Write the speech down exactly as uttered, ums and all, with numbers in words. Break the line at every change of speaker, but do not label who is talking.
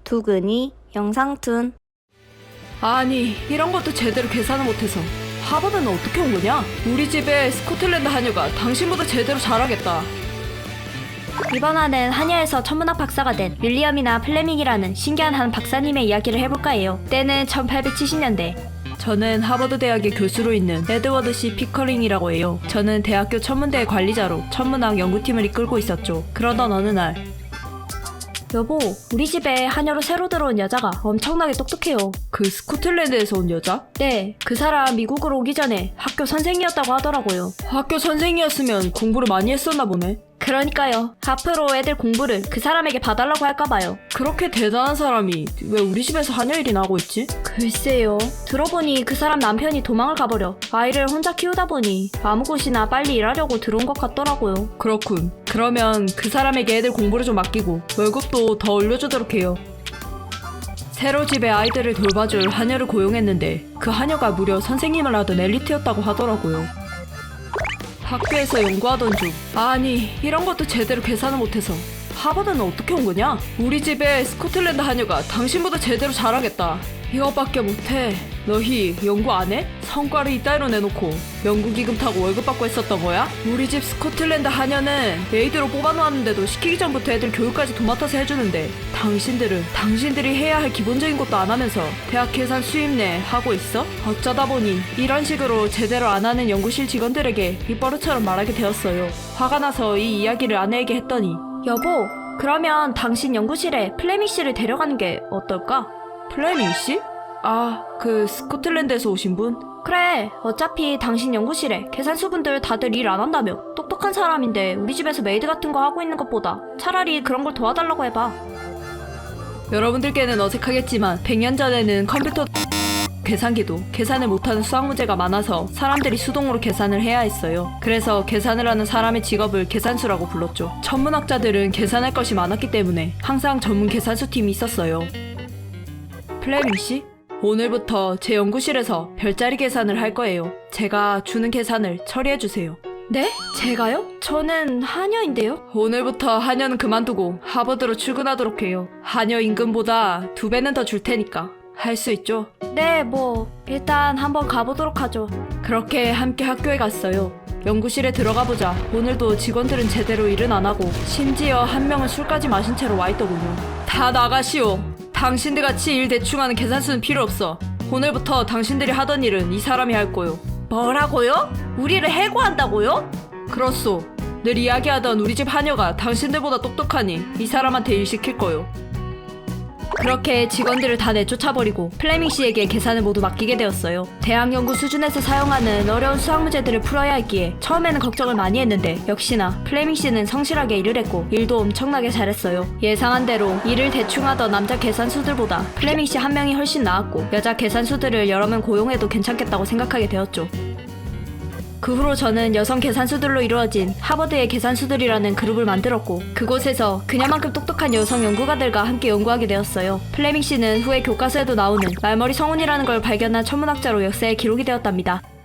두근이 영상툰.
아니 이런 것도 제대로 계산을 못해서 하버드는 어떻게 온 거냐? 우리 집에 스코틀랜드 한여가 당신보다 제대로 잘하겠다.
이번 화는 한여에서 천문학 박사가 된 윌리엄이나 플레밍이라는 신기한 한 박사님의 이야기를 해볼까 해요. 때는 천팔백칠십 년대.
저는 하버드 대학의 교수로 있는 에드워드 씨 피커링이라고 해요. 저는 대학교 천문대의 관리자로 천문학 연구팀을 이끌고 있었죠. 그러던 어느 날,
여보, 우리 집에 한여로 새로 들어온 여자가 엄청나게 똑똑해요.
그 스코틀랜드에서 온 여자?
네, 그 사람 미국으로 오기 전에 학교 선생이었다고 하더라고요.
학교 선생이었으면 공부를 많이 했었나 보네.
그러니까요. 앞으로 애들 공부를 그 사람에게 봐달라고 할까봐요.
그렇게 대단한 사람이 왜 우리 집에서 한여 일이나 하고 있지?
글쎄요. 들어보니 그 사람 남편이 도망을 가버려 아이를 혼자 키우다 보니 아무 곳이나 빨리 일하려고 들어온 것 같더라고요.
그렇군. 그러면 그 사람에게 애들 공부를 좀 맡기고 월급도 더 올려주도록 해요. 새로 집에 아이들을 돌봐줄 한여를 고용했는데 그 한여가 무려 선생님을 하던 엘리트였다고 하더라고요. 학교에서 연구하던 중, 아니 이런 것도 제대로 계산을 못해서 하버드는 어떻게 온 거냐? 우리 집에 스코틀랜드 한여가 당신보다 제대로 잘하겠다. 이것밖에 못해. 너희 연구 안 해? 성과를 이따위로 내놓고 연구기금 타고 월급 받고 했었던 거야? 우리 집 스코틀랜드 한여는 메이드로 뽑아놓았는데도 시키기 전부터 애들 교육까지 도맡아서 해주는데 당신들은 당신들이 해야 할 기본적인 것도 안 하면서 대학 계산 수입 내 하고 있어? 어쩌다 보니 이런 식으로 제대로 안 하는 연구실 직원들에게 입버릇처럼 말하게 되었어요. 화가 나서 이 이야기를 아내에게 했더니,
여보, 그러면 당신 연구실에 플레밍 씨를 데려가는 게 어떨까?
플레밍 씨? 아, 그 스코틀랜드에서 오신 분?
그래, 어차피 당신 연구실에 계산수분들 다들 일 안 한다며. 똑똑한 사람인데 우리 집에서 메이드 같은 거 하고 있는 것보다 차라리 그런 걸 도와달라고 해봐.
여러분들께는 어색하겠지만 백 년 전에는 컴퓨터 계산기도 계산을 못하는 수학 문제가 많아서 사람들이 수동으로 계산을 해야 했어요. 그래서 계산을 하는 사람의 직업을 계산수라고 불렀죠. 천문학자들은 계산할 것이 많았기 때문에 항상 전문 계산수 팀이 있었어요. 플레밍 씨? 오늘부터 제 연구실에서 별자리 계산을 할 거예요. 제가 주는 계산을 처리해주세요.
네? 제가요? 저는 한여인데요?
오늘부터 한여는 그만두고 하버드로 출근하도록 해요. 한여 임금보다 두 배는 더 줄 테니까 할 수 있죠?
네, 뭐 일단 한번 가보도록 하죠.
그렇게 함께 학교에 갔어요. 연구실에 들어가보자 오늘도 직원들은 제대로 일은 안 하고 심지어 한 명은 술까지 마신 채로 와있더군요. 다 나가시오. 당신들같이 일 대충하는 계산수는 필요 없어. 오늘부터 당신들이 하던 일은 이 사람이 할 거요.
뭐라고요? 우리를 해고한다고요?
그렇소. 늘 이야기하던 우리 집 한여가 당신들보다 똑똑하니 이 사람한테 일 시킬 거요. 그렇게 직원들을 다 내쫓아버리고 플레밍 씨에게 계산을 모두 맡기게 되었어요. 대학 연구 수준에서 사용하는 어려운 수학 문제들을 풀어야 했기에 처음에는 걱정을 많이 했는데 역시나 플레밍 씨는 성실하게 일을 했고 일도 엄청나게 잘했어요. 예상한 대로 일을 대충 하던 남자 계산수들보다 플레밍 씨 한 명이 훨씬 나았고 여자 계산수들을 여러 명 고용해도 괜찮겠다고 생각하게 되었죠. 그 후로 저는 여성 계산수들로 이루어진 하버드의 계산수들이라는 그룹을 만들었고 그곳에서 그녀만큼 똑똑한 여성 연구가들과 함께 연구하게 되었어요. 플레밍 씨는 후에 교과서에도 나오는 말머리 성운이라는 걸 발견한 천문학자로 역사에 기록이 되었답니다.